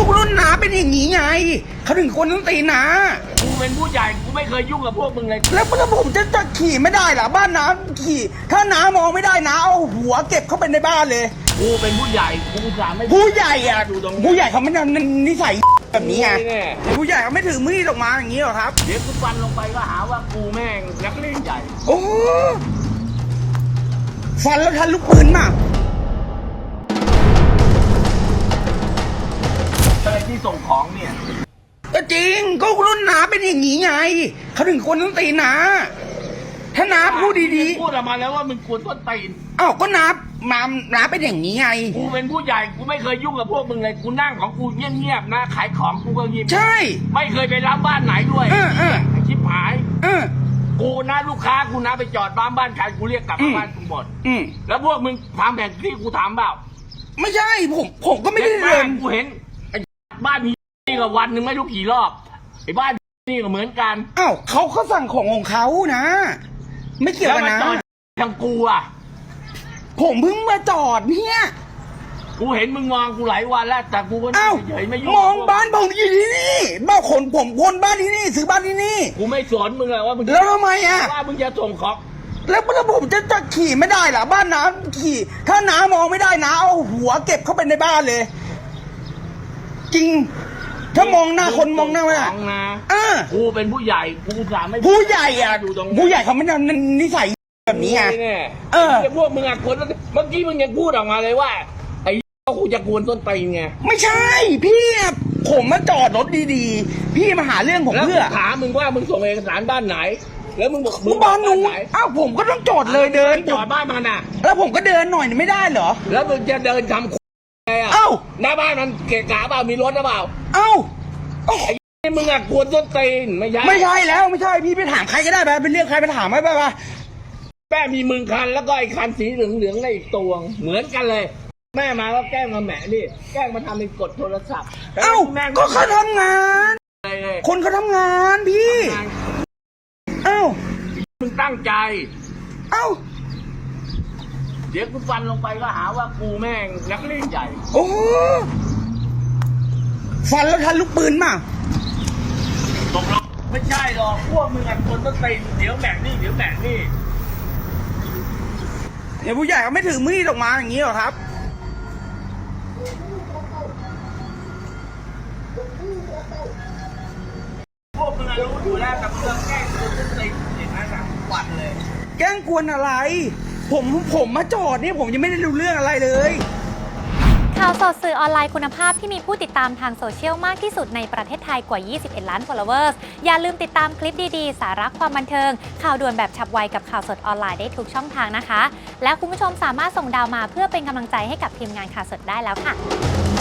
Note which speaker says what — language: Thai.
Speaker 1: รุ่นน้าเป็นอย่างนี้ไงเขาถึงคนต้องตีน้า
Speaker 2: กูเป็นผู้ใหญ่กูไม่เคยยุ่งกับพวกมึงเลย
Speaker 1: แล้วผมจะขี่ไม่ได้เหรอบ้านน้าขี่ถ้าน้ามองไม่ได้น้าเอาหัวเก็บเข้าไปในบ้านเลย
Speaker 2: กูเป็นผู้ใหญ่กูจะไม่
Speaker 1: ผู้ใหญ่อะผู้ใหญ่เขาไม่นิสัยแบบนี้ไงผู้ใหญ่เขาไม่ถือมีดออกมาอย่างนี้หรอครับ
Speaker 2: เดี๋ยวกูฟันลงไปก็หาว่ากูแม่งนักเลงใหญ่
Speaker 1: โอ้ฟันแล้วทันลูกปืนมา
Speaker 2: อะไรที่ส่งของเนี่ย
Speaker 1: ก็จริงก็รุ่นน้าเป็นอย่างนี้ไงเขาถึงคนต้องตีน้าถ้าน้าพูดดี
Speaker 2: ๆพูดออกมาแล้วว่ามึงควรต้นตีน
Speaker 1: อ้าวก็น้าเป็นอย่างนี้ไง
Speaker 2: กูเป็นผู้ใหญ่กูไม่เคยยุ่งกับพวกมึงเลยกูนั่งของกูเงียบๆนะขายของกูก็เงียบ
Speaker 1: ใช่
Speaker 2: ไม่เคยไปรับบ้านไหนด้วยไอ้ชิบหายกูนะลูกค้ากูนะไปจอดบ้านใครกูเรียกกลับบ้านกูหมดแล้วพวกมึงทำแบบที่กูทำเปล่า
Speaker 1: ไม่ใช่ผมก็ไม่ได้เรียน
Speaker 2: กูเห็นไอ้บ้านนี่ก็วันหนึ่งไม่รู้กี่รอบไอ้บ้านนี่ก็เหมือนกัน
Speaker 1: อ้าวเขาสั่งของเขานะไม่เกี่ยวกันนะ
Speaker 2: ทางกูอ่ะ
Speaker 1: ผมเพิ่งมาจอดเนี่ย
Speaker 2: กูเห็นมึงมองกูหลายวันแล้วแต่กูก็เฉยไม่ยุ่ง
Speaker 1: มองบ้านผมอยู่ที่นี่บ้านผมคนบ้านที่นี่ซื้อบ้านที่นี่
Speaker 2: กูไม่สอนมึงเลยว่ามึง
Speaker 1: แล้วทำไมอ่ะ
Speaker 2: ว่ามึงจะส่งของ
Speaker 1: แล้วผมจะขี่ไม่ได้เหรอบ้านน้าขี่ถ้าน้ามองไม่ได้น้าเอาหัวเก็บเข้าไปในบ้านเลยจริงถ้ามองหน้าคนมองหน้าไม่ได้
Speaker 2: กูเป็นผู้ใหญ่กูจะไม่
Speaker 1: ผู้ใหญ่อะผู้ใหญ่เขาไม่นิสัยแบบนี้ไง
Speaker 2: พวกมึงอะคนเมื่อกี้มึงยังพูดออกมาเลยว่าไอ้กูจะกวนต้นตีนไง
Speaker 1: ไม่ใช่พี่ผมมาจอดรถดีๆพี่มาหาเรื่องผมเพื่อ
Speaker 2: ถามมึงว่ามึงส่งเอกสารบ้านไหนแล้วมึงบอกมึง
Speaker 1: บ้านนู้นอ้าวผมก็ต้องจอดเลยเดิน
Speaker 2: จอดบ้านมันอะ
Speaker 1: แล้วผมก็เดินหน่อยไม่ได้เหรอ
Speaker 2: แล้วมึงจะเดินทำไงอะหน้าบ้านมันเกะกะเปล่ามีรถหรือเปล่าไอ้มึงอะกวนต้นตีน
Speaker 1: ไม่ใช่แล้วไม่ใช่พี่ไปถามใครก็ได้ไปเรียกใครไปถามไหมไป
Speaker 2: แม่มีมึงคันแล้วก็ไอ้คันสีเหลืองๆในอีกตัวเหมือนกันเลยแม่มาก็แกล้งมาแหมนี่แกล้งมาทำเป็นกดโทรศัพท์
Speaker 1: ก็เขาทำงานคนเขาทำงานพี่
Speaker 2: มึงตั้งใจเดี๋ยวกูฟันลงไปก็หาว่ากูแม่งนักเลงใหญ่
Speaker 1: โอ้ฟันแล้วทันลูกปืนมา
Speaker 2: ตกลงไม่ใช่หรอกพวกมึงคนต้นตีนเดี๋ยวแบ่งนี่เดี๋ยวแบ่งนี่
Speaker 1: เดี๋ยวผู้ใหญ่เขาไม่ถือมีดออกมาอย่างนี้หรอครับ
Speaker 2: พวกมึงรู้อยู่แล้วกับเรื่องแกล้งคนต้นตีนอย่างนั้นนะวันเลย
Speaker 1: แกล้งกวนอะไรผมมาจอดเนี่ยผมยังไม่ได้รู้เรื่องอะไรเลย
Speaker 3: ข่าวสดสื่อออนไลน์คุณภาพที่มีผู้ติดตามทางโซเชียลมากที่สุดในประเทศไทยกว่า 21 ล้าน followers อย่าลืมติดตามคลิปดีๆสาระความบันเทิงข่าวด่วนแบบฉับไวกับข่าวสดออนไลน์ได้ทุกช่องทางนะคะและคุณผู้ชมสามารถส่งดาวมาเพื่อเป็นกำลังใจให้กับทีมงานข่าวสดได้แล้วค่ะ